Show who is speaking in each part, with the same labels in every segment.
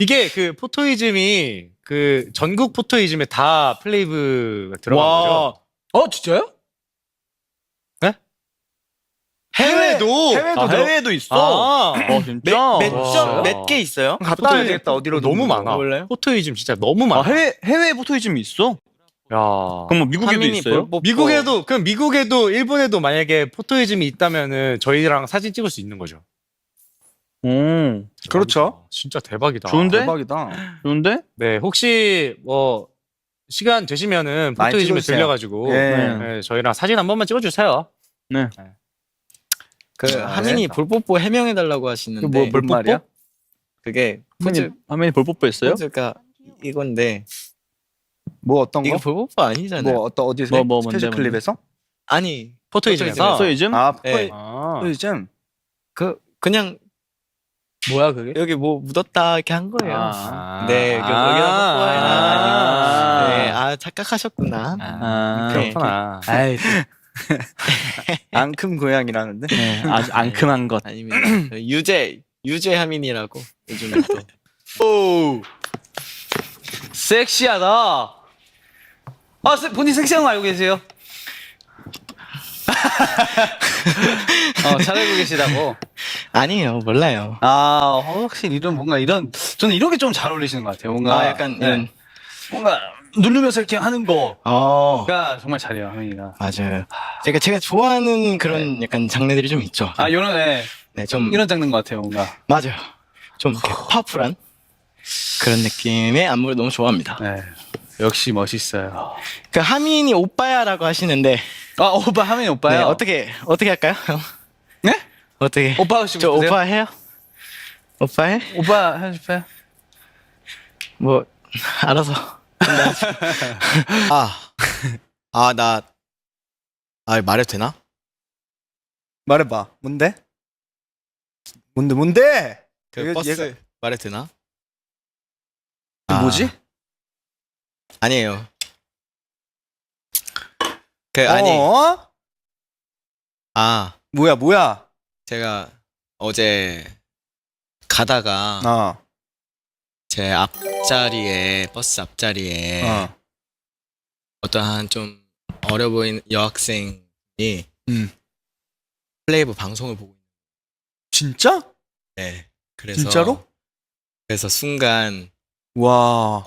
Speaker 1: 이게 그 포토이즘이 그 전국 포토이즘에 다 플레이브가 들어간 거죠.
Speaker 2: 진짜요?
Speaker 1: 해외도
Speaker 3: 해외도 있어. 진짜?
Speaker 1: 와.
Speaker 4: 몇 개 있어요?
Speaker 3: 갔다 와야 되겠다. 어디로
Speaker 1: 너무 많아.
Speaker 4: 몰라요?
Speaker 1: 포토이즘 진짜 너무 많아.
Speaker 3: 해외 포토이즘이 있어?
Speaker 1: 야.
Speaker 3: 그럼 뭐 미국에도
Speaker 4: 하민이
Speaker 3: 있어요?
Speaker 1: 미국에도 일본에도 만약에 포토이즘이 있다면은 저희랑 사진 찍을 수 있는 거죠.
Speaker 3: 오,
Speaker 2: 그렇죠.
Speaker 1: 대박이다. 진짜 대박이다.
Speaker 3: 좋은데?
Speaker 2: 대박이다.
Speaker 3: 좋은데?
Speaker 1: 네, 혹시 뭐 시간 되시면은
Speaker 2: 많이
Speaker 1: 포토이즘에
Speaker 2: 찍어주세요.
Speaker 1: 들려가지고
Speaker 2: 예.
Speaker 1: 네, 저희랑 사진 한 번만 찍어주세요.
Speaker 3: 네.
Speaker 4: 그 하민이 볼뽀뽀 해명해달라고 하시는데
Speaker 2: 뭔 말이야?
Speaker 4: 그게 포즈
Speaker 3: 화면이 볼 뽀뽀했어요?
Speaker 4: 포즈가 이건데
Speaker 2: 뭐 어떤
Speaker 4: 이거
Speaker 2: 거?
Speaker 4: 볼뽀뽀 아니잖아요.
Speaker 2: 뭐 어디서?
Speaker 3: 뭐
Speaker 2: 스페셜
Speaker 3: 뭔데?
Speaker 2: 클립에서?
Speaker 4: 아니
Speaker 1: 포토이즘에서.
Speaker 3: 포토이즘?
Speaker 2: 아,
Speaker 4: 네.
Speaker 2: 포토이즘.
Speaker 4: 그냥
Speaker 2: 뭐야 그게?
Speaker 4: 여기 뭐 묻었다 이렇게 한 거예요.
Speaker 3: 아.
Speaker 4: 네, 여기다 뽀뽀해라. 네, 착각하셨구나. 네.
Speaker 1: 그렇구나.
Speaker 2: 아이, 앙큼 고양이라는데.
Speaker 3: 네, 아주 앙큼한 것.
Speaker 4: 아닙니다. 유재 하민이라고 요즘에 또.
Speaker 2: 오, 섹시하다. 본인 섹시한 거 알고 계세요? 잘 알고 계시다고.
Speaker 4: 아니에요, 몰라요.
Speaker 2: 확실히 저는 이런 게 좀 잘 어울리시는 것 같아요. 뭔가
Speaker 4: 약간
Speaker 2: 네.
Speaker 4: 이런.
Speaker 2: 뭔가 누르면서 이렇게 하는 거가
Speaker 4: 어,
Speaker 2: 정말 잘해요, 하민이가.
Speaker 4: 맞아요. 제가 좋아하는 그런 약간 장르들이 좀 있죠.
Speaker 2: 이런
Speaker 4: 네, 좀
Speaker 2: 이런 장르인 것 같아요, 뭔가.
Speaker 4: 맞아요. 좀 이렇게 파워풀한 그런 느낌의 안무를 너무 좋아합니다.
Speaker 2: 네, 역시 멋있어요.
Speaker 4: 그 하민이 오빠야라고 하시는데
Speaker 2: 오빠 하민이
Speaker 4: 네,
Speaker 2: 오빠요.
Speaker 4: 어떻게 할까요, 형?
Speaker 2: 네?
Speaker 4: 어떻게?
Speaker 2: 오빠 하고 싶으세요?
Speaker 4: 저 오빠 해요? 오빠 해?
Speaker 2: 오빠 하고 싶어요?
Speaker 4: 뭐 알아서. 말해도 되나?
Speaker 2: 말해봐. 뭔데? 뭔데?
Speaker 4: 그 버스 말해도 되나?
Speaker 2: 이게 뭐지?
Speaker 4: 아니에요.
Speaker 2: 뭐야?
Speaker 4: 제가 어제 가다가 제 앞자리에 버스 앞자리에 어떠한 좀 어려 보이는 여학생이 플레이브 방송을 보고
Speaker 2: 진짜?
Speaker 4: 있는데 그래서
Speaker 2: 진짜로?
Speaker 4: 그래서 순간
Speaker 2: 와.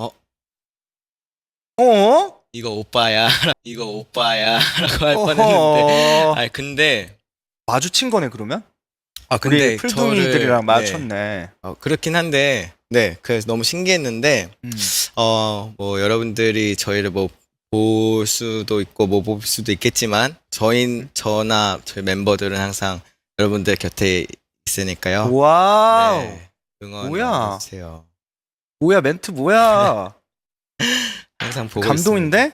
Speaker 4: 이거 오빠야 라고 할 뻔했는데 근데
Speaker 2: 마주친 거네 그러면?
Speaker 4: 근데
Speaker 2: 우리 풀둥이들이랑
Speaker 4: 저를-
Speaker 2: 마주쳤네.
Speaker 4: 그렇긴 한데 그래서 너무 신기했는데 뭐 여러분들이 저희를 뭐 볼 수도 있고 못 볼 수도 있겠지만 저나 저희 멤버들은 항상 여러분들 곁에 있으니까요.
Speaker 2: 와우.
Speaker 4: 네,
Speaker 2: 뭐야?
Speaker 4: 응원해주세요.
Speaker 2: 뭐야 멘트 뭐야?
Speaker 4: 항상 보고
Speaker 2: 감동인데?